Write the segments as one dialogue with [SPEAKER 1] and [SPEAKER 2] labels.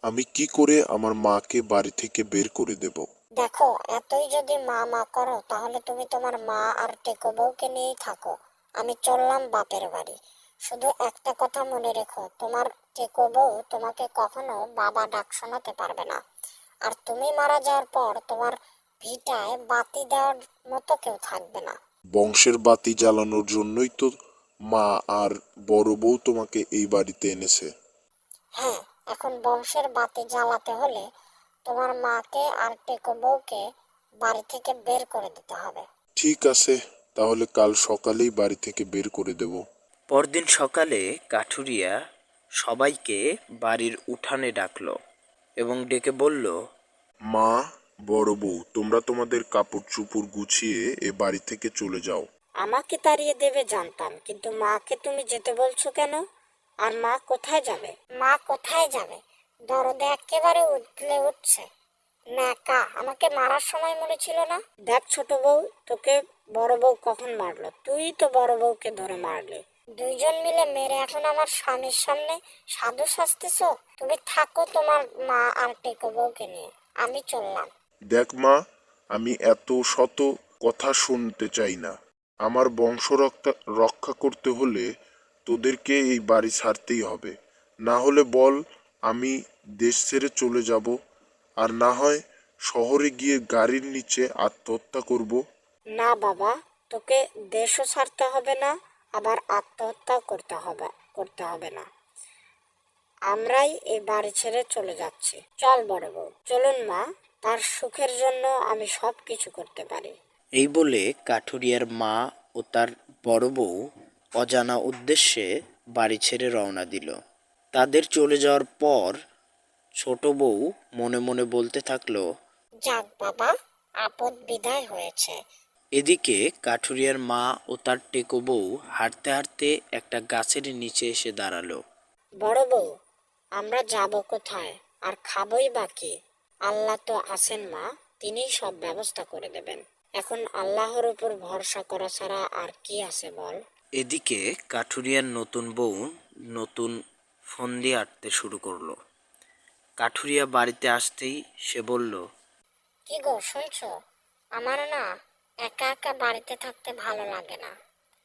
[SPEAKER 1] আমি কি করে আমার মাকে বাড়ি থেকে বের করে দেব?
[SPEAKER 2] দেখো, এতই যদি মা মা করো তাহলে তুমি তোমার মা আর টেকো বউকে নিয়েই থাকো। আমি চললাম বাপের বাড়ি। শুধু একটা কথা মনে রেখো, তোমার টেকো বউ তোমাকে কখনো বাবা ডাক শোনাতে পারবে না। আর তুমি মারা যাওয়ার পর তোমার ভিটায় বাতি দেওয়ার মতো কেউ থাকবে না।
[SPEAKER 1] বংশের বাতি জ্বালানোর জন্যই তো মা আর বড় বউ তোমাকে এই বাড়িতে এনেছে।
[SPEAKER 2] হ্যাঁ, এখন বংশের বাতি জ্বালাতে হলে তোমার মাকে আর টেকো বউকে বাড়ি থেকে বের করে দিতে হবে।
[SPEAKER 1] ঠিক আছে, তাহলে কাল সকালেই বাড়ি থেকে বের করে দেব।
[SPEAKER 3] পরদিন সকালে কাঠুরিয়া সবাইকে বাড়ির উঠানে ডাকলো এবং ডেকে বলল,
[SPEAKER 1] মা, বড় বউ, তোমরা তোমাদের কাপড় চোপড় গুছিয়ে এ বাড়ি থেকে চলে যাও।
[SPEAKER 2] আমাকে তাড়িয়ে দেবে জানতাম, কিন্তু মাকে তুমি যেতে বলছো কেন? আর মা কোথায় যাবে? মা কোথায় যাবে? দরদে একেবারে উতলে উঠছে। ন্যাকা, আমাকে মারার সময় মনে ছিল না? দেখ ছোট বউ, তোকে বড় বউ কখন মারলো? তুই তো বড় বউকে ধরে মারলি। দুইজন মিলে মেরে এখন আমার স্বামীর সামনে সাধু সাজতেছ। তুমি থাকো তোমার মা আর টেকো বউকে নিয়ে, আমি চললাম।
[SPEAKER 1] দেখ মা, আমি এত শত কথা শুনতে চাই না। আমার বংশ রক্ষা করতে হলে তোদেরকে এই বাড়ি ছাড়তেই হবে। না হলে বল, আমি দেশ ছেড়ে চলে যাব, আর না হয় শহরে গিয়ে গাড়ির নিচে আত্মহত্যা করব।
[SPEAKER 2] না বাবা, তোকে দেশও ছাড়তে হবে না, আবার আত্মহত্যাও করতে হবে না। আমরাই এই বাড়ি ছেড়ে চলে যাচ্ছি। চল বড় বউ, চলুন মা, তার সুখের জন্য আমি সব কিছু করতে পারি।
[SPEAKER 3] এই বলে কাঠুরিয়ার মা ও তার বড় বউ অজানা উদ্দেশ্যে বাড়ি ছেড়ে রওনা দিল। তাদের চলে যাওয়ার পর ছোট বউ মনে মনে বলতে থাকলো,
[SPEAKER 2] যাক বাবা, আপদ বিদায় হয়েছে।
[SPEAKER 3] এদিকে কাঠুরিয়ার মা ও তার টেকো বউ হাঁটতে হাঁটতে একটা গাছের নিচে এসে দাঁড়ালো।
[SPEAKER 2] বড় বউ, আমরা যাব কোথায় আর খাবই বাকি? আল্লাহ তো আছেন মা, তিনিই সব ব্যবস্থা করে দেবেন। এখন আল্লাহর উপর ভরসা করা ছাড়া আর কি আছে বল?
[SPEAKER 3] এদিকে কাঠুরিয়ার নতুন বউ নতুন ফন্দি আঁটতে শুরু করলো। কাঠুরিয়া বাড়িতে আসতেই সে বলল,
[SPEAKER 2] কি গো শুনছো? আমার না একা একা বাড়িতে থাকতে ভালো লাগে না।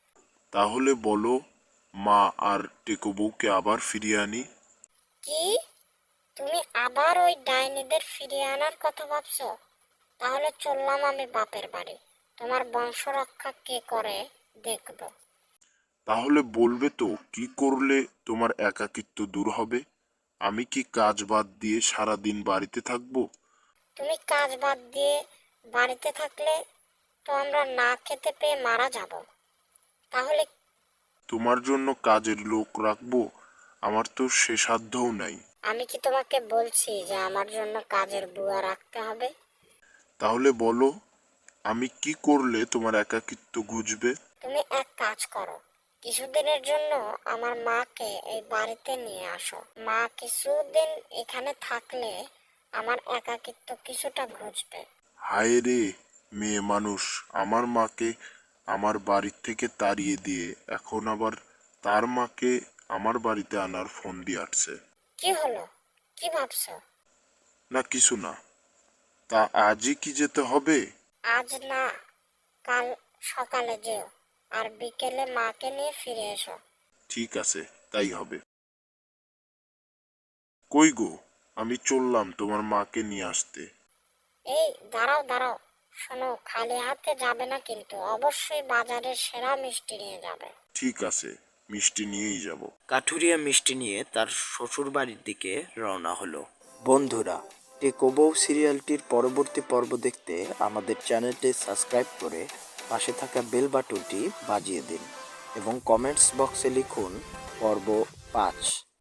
[SPEAKER 1] তাহলে বলো, মা আর টেকো বউকে আবার ফিরিয়ে আনি।
[SPEAKER 2] কি? তুমি আবার ওই ডাইনিদের ফিরিয়ে আনার কথা ভাবছো? তাহলে চললাম আমি বাপের বাড়ি। তোমার বংশ রক্ষা কে করে দেখবো।
[SPEAKER 1] তাহলে বলবে তো কি করলে তোমার একাকিত্ব দূর হবে? আমি কি কাজ বাদ দিয়ে সারা দিন বাড়িতে থাকবো?
[SPEAKER 2] তুমি কাজ বাদ দিয়ে বাড়িতে থাকলে তো আমরা না খেতে পেয়ে মারা যাব। তাহলে
[SPEAKER 1] তোমার জন্য কাজের লোক রাখবো? আমার তো সে সাধ্যও নাই।
[SPEAKER 2] আমি কি তোমাকে বলছি যে আমার জন্য কাজের বুয়া রাখতে হবে?
[SPEAKER 1] তাহলে বলো, আমি কি করলে তোমার একাকিত্ব ঘুচবে?
[SPEAKER 2] তুমি এক কাজ করো, কিছুদিনের জন্য আমার মাকে এই বাড়িতে নিয়ে আসো। মা কিছুদিন এখানে থাকলে আমার একাকিত্ব কিছুটা ঘুচবে।
[SPEAKER 1] হায় রে, মেয়ে মানুষ, আমার মাকে আমার বাড়ির থেকে তাড়িয়ে দিয়ে এখন আবার তার মাকে আমার বাড়িতে আনার ফোন দিয়ে আসছে।
[SPEAKER 2] কি হলো? কি ভাবছো?
[SPEAKER 1] না কিছু না। তা আজই কি যেতে হবে?
[SPEAKER 2] আজ না, কাল সকালে যেও, আর বিকেলে মাকে নিয়ে ফিরে এসো।
[SPEAKER 1] ঠিক আছে, তাই হবে। কই গো, আমি চললাম তোমার মাকে নিয়ে আসতে।
[SPEAKER 2] এই দাঁড়াও দাঁড়াও, শোনো, খালি হাতে যাবে না কিন্তু, অবশ্যই বাজারের সেরা মিষ্টি নিয়ে যাবে।
[SPEAKER 1] ঠিক আছে, মিষ্টি নিয়েই যাব।
[SPEAKER 3] কাঠুরিয়া মিষ্টি নিয়ে তার শ্বশুর বাড়ির দিকে রওনা হলো। বন্ধুরা, টেকো বউ সিরিয়ালটির পরবর্তী পর্ব দেখতে আমাদের চ্যানেলটি সাবস্ক্রাইব করে পাশে থাকা বেল বাটনটি বাজিয়ে দিন এবং কমেন্টস বক্সে লিখুন পর্ব 5।